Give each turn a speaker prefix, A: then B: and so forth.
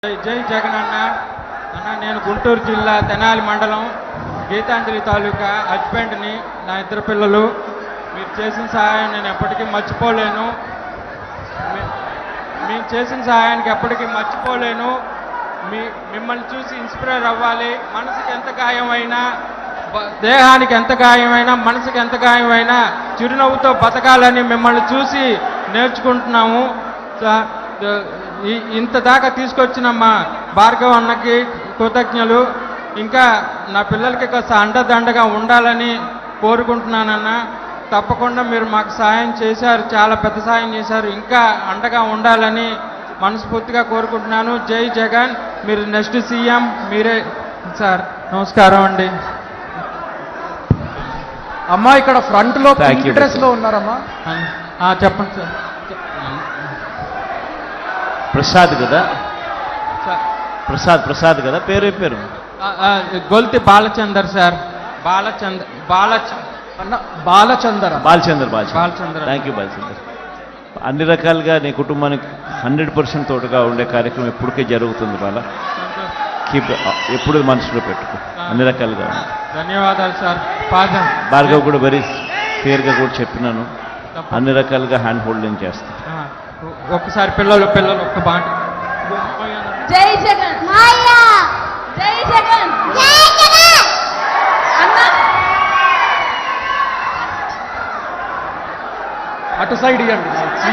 A: జై జగన్ అన్న. నేను గుంటూరు జిల్లా తెనాలి మండలం గీతాంజలి తాలూకా హస్బెండ్ని. నా ఇద్దరు పిల్లలు. మీరు చేసిన సహాయం నేను ఎప్పటికీ మర్చిపోలేను. మీరు చేసిన సహాయానికి ఎప్పటికీ మర్చిపోలేను. మిమ్మల్ని చూసి ఇన్స్పైర్ అవ్వాలి. మనసుకి ఎంత గాయమైనా, దేహానికి ఎంత గాయమైనా, మనసుకి ఎంత గాయమైనా చిరునవ్వుతో బతకాలని మిమ్మల్ని చూసి నేర్చుకుంటున్నాము. ఇంత దాకా తీసుకొచ్చిన మా భార్గవ్ అన్నకి కృతజ్ఞతలు. ఇంకా నా పిల్లలకి కాస్త అండదండగా ఉండాలని కోరుకుంటున్నానన్న. తప్పకుండా మీరు మాకు సాయం చేశారు, చాలా పెద్ద సాయం చేశారు. ఇంకా అండగా ఉండాలని మనస్ఫూర్తిగా కోరుకుంటున్నాను. జై జగన్. మీరు నెక్స్ట్ సీఎం మీరే సార్. నమస్కారం అండి.
B: అమ్మా ఇక్కడ ఫ్రంట్ లో డ్రెస్ లో ఉన్నారమ్మా.
A: చెప్పండి సార్.
C: ప్రసాద్ కదా? ప్రసాద్ కదా? పేరు
A: Golthi Balachander sir. Balachander.
C: Thank you Balachander. అన్ని రకాలుగా నీ కుటుంబానికి 100% తోడుగా ఉండే కార్యక్రమం ఎప్పటికే జరుగుతుంది. ఎప్పుడు మనసులో పెట్టుకో. అన్ని రకాలుగా
A: ధన్యవాదాలు సార్.
C: భార్గవ్ కూడా వెరీ క్లియర్గా కూడా చెప్పినాను. అన్ని రకాలుగా హ్యాండ్ హోల్డింగ్ చేస్తాను.
A: ఒక్కసారి పిల్లలు ఒక్క బాట.
D: జై జగన్. జై జగన్.
B: అటు సైడ్ ఇవ్వండి.